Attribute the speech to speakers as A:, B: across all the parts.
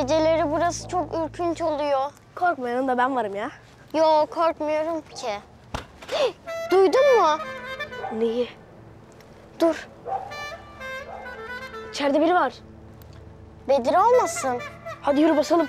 A: Geceleri burası çok ürkünç oluyor.
B: Korkma, yanında ben varım ya.
A: Yo, korkmuyorum ki. Duydun mu?
B: Neyi?
A: Dur.
B: İçeride biri var.
A: Bedir olmasın?
B: Hadi yürü basalım.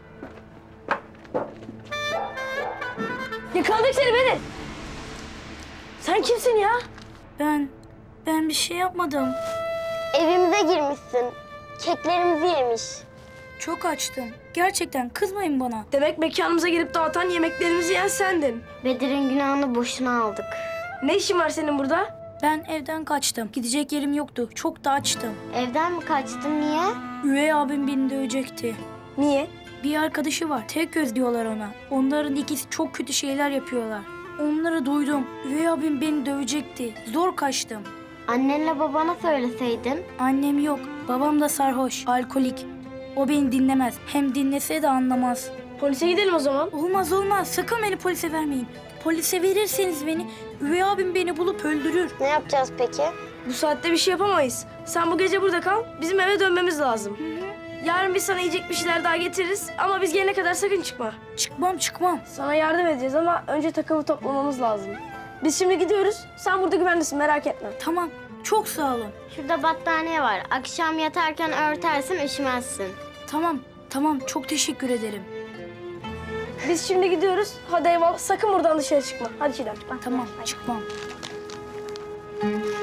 B: Yakaladık seni Bedir. Sen kimsin ya?
C: Ben bir şey yapmadım.
A: Evimize girmişsin. Keklerimizi yemiş.
C: Çok açtım. Gerçekten kızmayın bana.
B: Demek mekanımıza gelip dağıtan yemeklerimizi yiyen sendin.
A: Bedir'in günahını boşuna aldık.
B: Ne işin var senin burada?
C: Ben evden kaçtım. Gidecek yerim yoktu. Çok da açtım.
A: Evden mi kaçtın, niye?
C: Üvey abim beni dövecekti.
B: Niye?
C: Bir arkadaşı var. Tek göz diyorlar ona. Onların ikisi çok kötü şeyler yapıyorlar. Onları duydum. Üvey abim beni dövecekti. Zor kaçtım.
A: Annenle babana söyleseydin.
C: Annem yok. Babam da sarhoş. Alkolik. O beni dinlemez. Hem dinlese de anlamaz.
B: Polise gidelim o zaman.
C: Olmaz. Sakın beni polise vermeyin. Polise verirseniz beni, üvey abim beni bulup öldürür.
A: Ne yapacağız peki?
B: Bu saatte bir şey yapamayız. Sen bu gece burada kal. Bizim eve dönmemiz lazım. Yarın biz sana yiyecek bir şeyler daha getiririz. Ama biz gelene kadar sakın çıkma.
C: Çıkmam.
B: Sana yardım edeceğiz ama önce takımı toplamamız lazım. Biz şimdi gidiyoruz. Sen burada güvendesin, merak etme.
C: Tamam. Çok sağ olun.
A: Şurada battaniye var. Akşam yatarken örtersin, üşümezsin.
C: Tamam. Çok teşekkür ederim.
B: Biz şimdi gidiyoruz. Hadi eyvallah. Sakın buradan dışarı çıkma. Hadi Çiğdem.
C: Tamam, çıkmam.